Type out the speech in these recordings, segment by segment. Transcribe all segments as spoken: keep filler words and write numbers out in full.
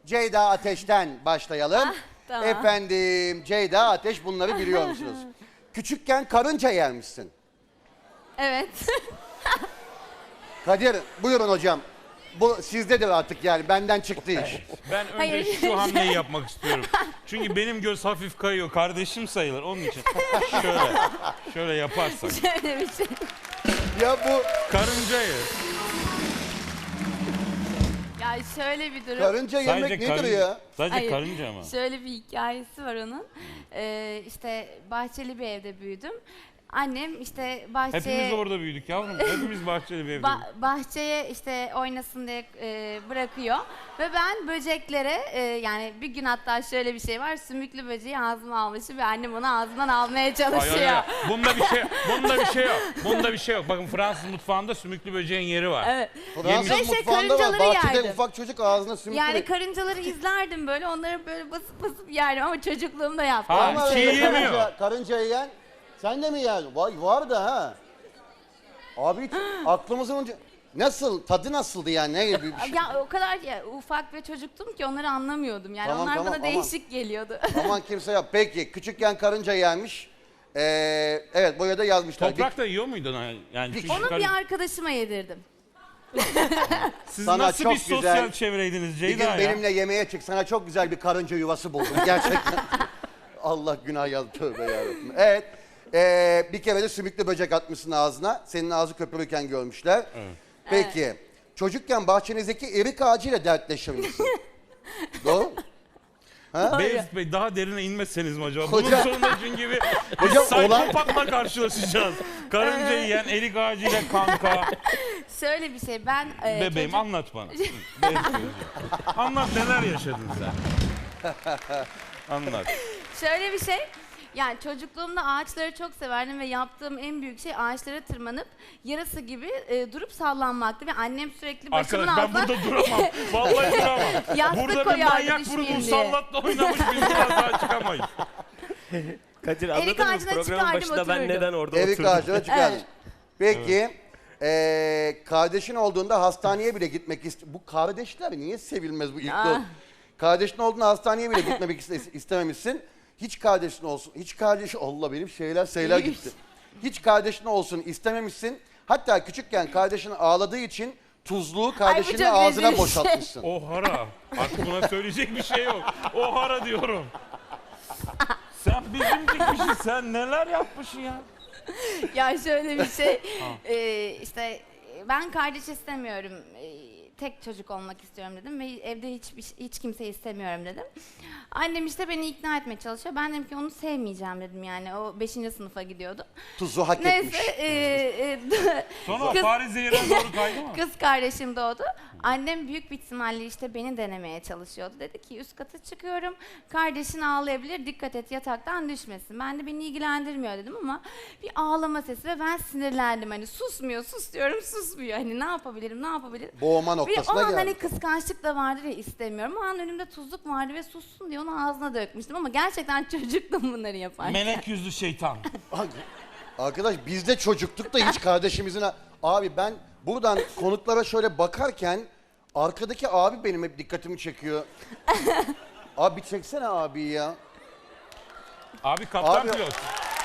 Ceyda Ateş'ten başlayalım. Ah, tamam. Efendim Ceyda Ateş, bunları biliyor musunuz? Küçükken karınca yermişsin. Evet. Kadir buyurun hocam. Bu sizdedir artık, yani benden çıktı iş. Ben önce Hayır. şu hamleyi yapmak istiyorum. Çünkü benim göz hafif kayıyor. Kardeşim sayılır onun için. Şöyle, şöyle yaparsak. Şöyle bir şey. Ya bu Karıncayı. Ya şöyle bir durum. karınca yemek Sadece nedir karınca, ya? sadece Hayır, karınca mı? Şöyle bir hikayesi var onun. Ee, işte bahçeli bir evde büyüdüm. Annem işte bahçeye... Hepimiz orada büyüdük yavrum. Hepimiz bahçeli bir evde. Ba- bahçeye işte oynasın diye e, bırakıyor ve ben böceklere e, yani bir gün hatta şöyle bir şey var, sümüklü böceği ağzıma almışım ve annem onu ağzından almaya Ay, çalışıyor. ay, ay. Bunda bir şey, bunda bir şey yok. Bunda bir şey yok. Bakın Fransız mutfağında sümüklü böceğin yeri var. Evet. Fransız Ve şey, mutfağında var. karıncaları Bahçede yerdim. ufak çocuk ağzına sümüklü. Yani karıncaları izlerdim böyle, onları böyle basıp basıp yerdim ama çocukluğumda yaptım. Ha, Ama çiğ öyle yemiyor. Karınca, karınca yiyen. Sen de mi yiyen? Vay var da ha. Abi hiç aklımızın önce... Nasıl? Tadı nasıldı yani? Ne gibi bir şey? Ya o kadar ya, ufak ve çocuktum ki onları anlamıyordum. Yani Tamam, onlar tamam, bana aman. değişik geliyordu. Aman kimse yap. Peki küçükken karınca yermiş. Ee, evet buraya da yazmışlar. Toprak da yiyor muydun? ha? Yani çünkü Onu karın- bir arkadaşıma yedirdim. Siz Sana nasıl çok bir sosyal güzel- çevreydiniz Bir gün Ceyda ya? benimle yemeğe çık. Sana çok güzel bir karınca yuvası buldum. Gerçekten. Allah günah yaz. Tövbe yarabbim. Evet. ee, bir kere de sümüklü böcek atmışsın ağzına. Senin ağzı köpürürken görmüşler. Evet. Peki. Çocukken bahçenizdeki erik ağacıyla dertleşir misin? Doğru mu? Beyazıt Bey, daha derine inmezseniz mi acaba? Hocam- Bunun sonunda çünkü bir, bir Hocam, olay- psikopatla karşılaşacağız. Karınca yiyen, erik ağacıyla kanka. Şöyle bir şey, ben e, Bebeğim çocuk- anlat bana. Beyazıt Beyciğim. Anlat, neler yaşadın sen? Anlat. şöyle bir şey. Yani çocukluğumda ağaçları çok severdim ve yaptığım en büyük şey ağaçlara tırmanıp yarası gibi e, durup sallanmaktı ve annem sürekli başımın Arkadaş ben altına burada duramam. Vallahi duramam. Yastık Burada bir koyardı manyak düşmeyeyim vurgun diye. sallatla oynamış, biz buradan daha çıkamayız. Kadir Erik anladın mı? ağacına Programın çıkardım, başında ben otururdum. neden orada Erik oturdum? ağacına çıkardın. Evet. Peki. ee, kardeşin olduğunda hastaneye bile gitmek ist... Bu kardeşler niye sevilmez bu ilk Ah. yol? Kardeşin olduğunda hastaneye bile gitmek iste- istememişsin. Hiç kardeşin olsun. Hiç kardeş... Allah benim şeyler şeyler gitti. Hiç kardeşin olsun istememişsin. Hatta küçükken kardeşin ağladığı için tuzluğu kardeşinin çok ağzına rezil bir şey. boşaltmışsın. O hara. Artık buna söyleyecek bir şey yok. O hara diyorum. Sen bizim dikmişsin. Sen neler yapmışsın ya? Ya şöyle bir şey, e, işte ben kardeş istemiyorum, e, tek çocuk olmak istiyorum dedim ve evde hiç hiç kimseyi istemiyorum dedim. Annem işte beni ikna etmeye çalışıyor. Ben dedim ki onu sevmeyeceğim dedim, yani o beşinci sınıfa gidiyordu. Tuzu hak etmiş. Neyse, e, e, Sonra o Kız- Paris zehirine doğru kaydı mı? kız kardeşim doğdu. Annem büyük bir ihtimalle işte beni denemeye çalışıyordu. Dedi ki üst kata çıkıyorum, kardeşin ağlayabilir, dikkat et yataktan düşmesin. Ben de beni ilgilendirmiyor dedim ama bir ağlama sesi ve ben sinirlendim. Hani susmuyor, sus diyorum, susmuyor. Hani ne yapabilirim, ne yapabilirim? Boğma Ve o noktasına an geldi. hani kıskançlık da vardı ve istemiyorum. O an önümde tuzluk vardı ve sussun diye onu ağzına dökmüştüm ama gerçekten çocuktum bunları yaparken. Melek yüzlü şeytan. Arkadaş biz de çocuktuk da hiç kardeşimizin... a- Abi ben buradan konuklara şöyle bakarken arkadaki abi benim hep dikkatimi çekiyor. Abi bir çeksene abi ya. Abi kaptan Abi- pilot.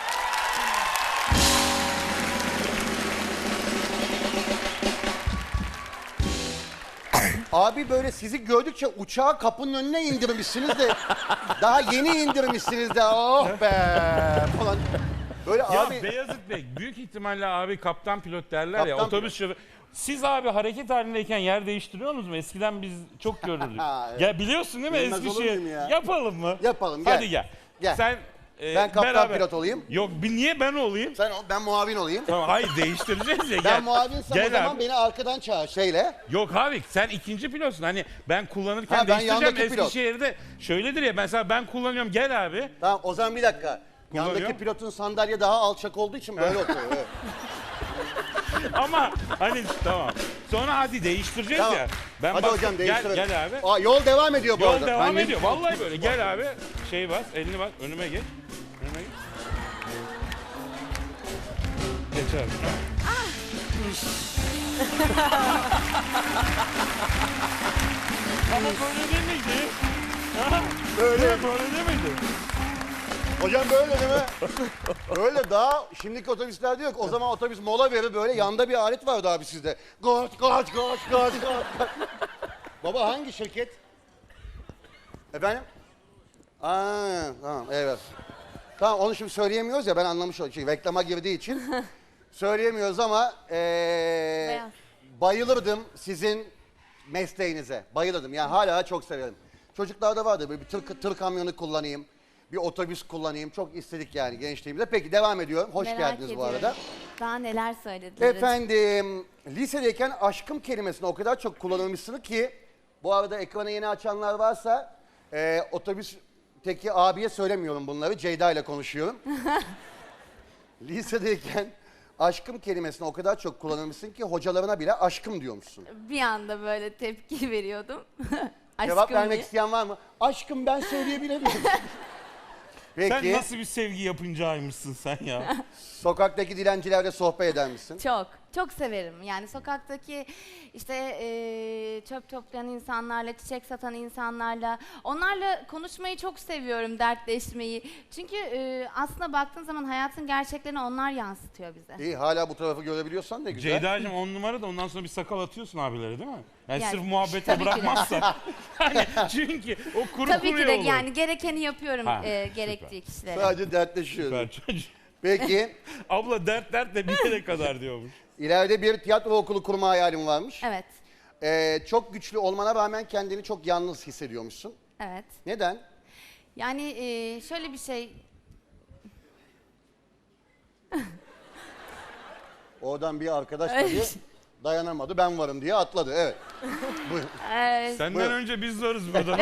Abi böyle sizi gördükçe uçağı kapının önüne indirmişsiniz de daha yeni indirmişsiniz de oh be falan. Böyle Ya abi Beyazıt Bey, büyük ihtimalle abi kaptan pilot derler ya, Kaptan otobüs şoförü. Siz abi hareket halindeyken yer değiştiriyorsunuz mu? Eskiden biz çok görürdük. Ha, evet. Ya biliyorsun değil mi Bilmez olur Eskişehir? muyum ya? Yapalım mı? Yapalım, gel. Hadi gel. Gel. Sen e, Ben kaptan beraber- pilot olayım. Yok, bir niye ben olayım? sen ol, ben muavin olayım. Tamam, hayır değiştireceğiz ya. Ben gel. muavinsem Gel o zaman abi. beni arkadan çağır şeyle. Yok abi, sen ikinci pilotsun. Hani ben kullanırken Ha, ben değiştireceğim. yandaki pilot. Eskişehir'de şöyledir ya, mesela ben kullanıyorum, gel abi. Tamam o zaman bir dakika. Kullanıyor. Yandaki pilotun sandalye daha alçak olduğu için böyle oturuyor. Evet. Ama hani tamam. Sonra hadi değiştireceğiz Tamam. ya. Ben Hadi bak- hocam gel, değiştirelim. gel abi. Aa, yol devam ediyor bu Yol arada. devam Ben- ediyor. Vallahi böyle. Gel abi. Şey bas, elini bas. Önüme geç. Önüme geç. Geç abi. Ama böyle değil miydi? Ha? Böyle. Değil mi? Böyle değil miydi? Hocam böyle değil mi? Öyle daha şimdiki otobüslerde yok. O zaman otobüs mola verir böyle yanda bir alet vardı abi sizde. Kaç kaç kaç kaç kaç. Baba hangi şirket? Efendim? Aa, tamam evet. Tamam onu şimdi söyleyemiyoruz ya ben anlamış oldum. Çünkü reklama girdiği için söyleyemiyoruz ama ee, Beyaz. bayılırdım sizin mesleğinize. Bayılırdım yani hala çok severim. Çocuklarda vardı böyle bir tır, tır kamyonu kullanayım. Bir otobüs kullanayım. Çok istedik yani gençliğimizde. Peki devam ediyorum. Hoş Merak geldiniz ediyorum. bu arada. Daha neler söylediler. Efendim, lisedeyken aşkım kelimesini o kadar çok kullanılmışsınız ki bu arada ekranı yeni açanlar varsa e, otobüsteki abiye söylemiyorum bunları. Ceyda ile konuşuyorum. Lisedeyken aşkım kelimesini o kadar çok kullanılmışsın ki hocalarına bile aşkım diyormuşsun. Bir anda böyle tepki veriyordum. Cevap Aşkım vermek diye. isteyen var mı? Aşkım ben söyleyebilir miyim? Peki, Sen nasıl bir sevgi yapıncaymışsın sen ya? sokaktaki dilencilerle sohbet eder misin? Çok, çok severim. Yani sokaktaki işte eee, çöp toplayan insanlarla, çiçek satan insanlarla, onlarla konuşmayı çok seviyorum, dertleşmeyi. Çünkü eee, aslında baktığın zaman hayatın gerçeklerini onlar yansıtıyor bize. İyi hala bu tarafı görebiliyorsan ne güzel. Ceyda'cığım on numara da ondan sonra bir sakal atıyorsun abilere değil mi? Yani, Yani, sırf muhabbete tabii ki de. bırakmazsa. Hani çünkü o kuru Tabii ki kuruya de olur. yani gerekeni yapıyorum Ha, eee, süper. gerektiği kişilere. Sadece dertleşiyoruz. Süper çocuk. Peki, Abla dert dert de bir yere kadar diyormuş. ileride bir tiyatro okulu kurma hayalin varmış. Evet, Ee, çok güçlü olmana rağmen kendini çok yalnız hissediyormuşsun. evet. Neden? Yani eee, şöyle bir şey, Oradan bir arkadaş Ay. tabii dayanamadı, ben varım diye atladı. Evet. Buyurun. eee, Senden Buyurun. önce biz varız burada.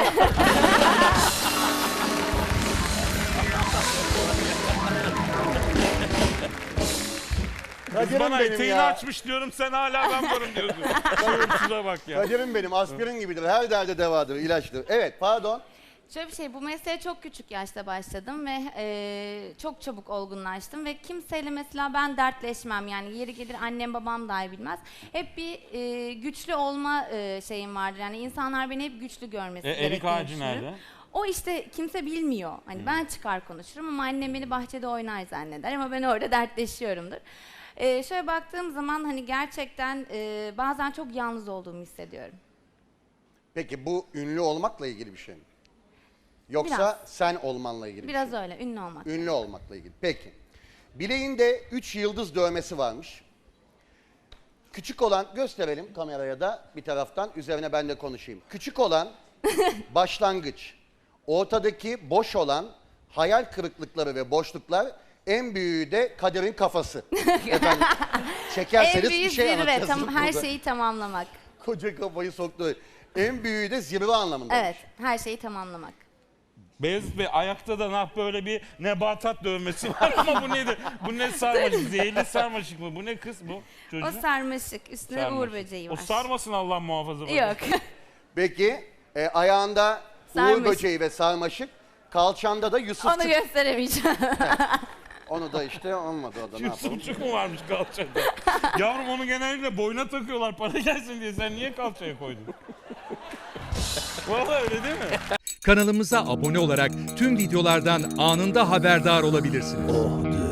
Kız Kadir'im bana benim eteğini ya. açmış diyorum sen hala ben varım diyorsun. Şuna bak ya. Kadir'im benim, aspirin gibidir. Her derde devadır, ilaçtır. Evet, pardon. Şöyle bir şey, bu mesleğe çok küçük yaşta başladım ve eee, çok çabuk olgunlaştım ve kimseyle mesela ben dertleşmem yani yeri gelir annem babam dahi bilmez. Hep bir eee, güçlü olma eee, şeyim vardır yani insanlar beni hep güçlü görmesi E, erik gerektiğini ağacı düşünürüm. nerede? O işte kimse bilmiyor. Hani ben çıkar konuşurum ama annem beni bahçede oynar zanneder ama ben orada dertleşiyorumdur. Eee, şöyle baktığım zaman hani gerçekten eee, bazen çok yalnız olduğumu hissediyorum. Peki bu ünlü olmakla ilgili bir şey mi? Yoksa Biraz. sen olmanla ilgili Biraz bir şey mi? öyle, ünlü olmak. Ünlü olmakla ilgili. Peki. Bileğinde üç yıldız dövmesi varmış. Küçük olan, gösterelim kameraya da bir taraftan, üzerine ben de konuşayım. Küçük olan başlangıç, ortadaki boş olan hayal kırıklıkları ve boşluklar, en büyüğü de Kadir'in kafası. Efendim, En çekerseniz bir büyük şey zirve, anlatırsınız tam, her burada. şeyi tamamlamak. Koca kafayı soktu. En büyüğü de zirve anlamında. Evet, her şeyi tamamlamak. Beyazıt Bey ayakta da nah böyle bir nebatat dövmesi var ama bu nedir? Bu ne sarmaşık? Zehirli sarmaşık mı? Bu ne kız bu? Çocuğun? O sarmaşık, üstüne Sarmaşık. uğur böceği O var. sarmasın Allah muhafaza. Yok. Peki, e, ayağında uğur Sarmaşık. böceği ve sarmaşık, kalçanda da Onu Yusufçuk. gösteremeyeceğim. Onu da işte olmadı o da ne yapalım. Yusufçuk mu varmış kalçada? Yavrum onu genellikle boyuna takıyorlar para gelsin diye. Sen niye kalçaya koydun? Vallahi öyle değil mi? Kanalımıza abone olarak tüm videolardan anında haberdar olabilirsiniz.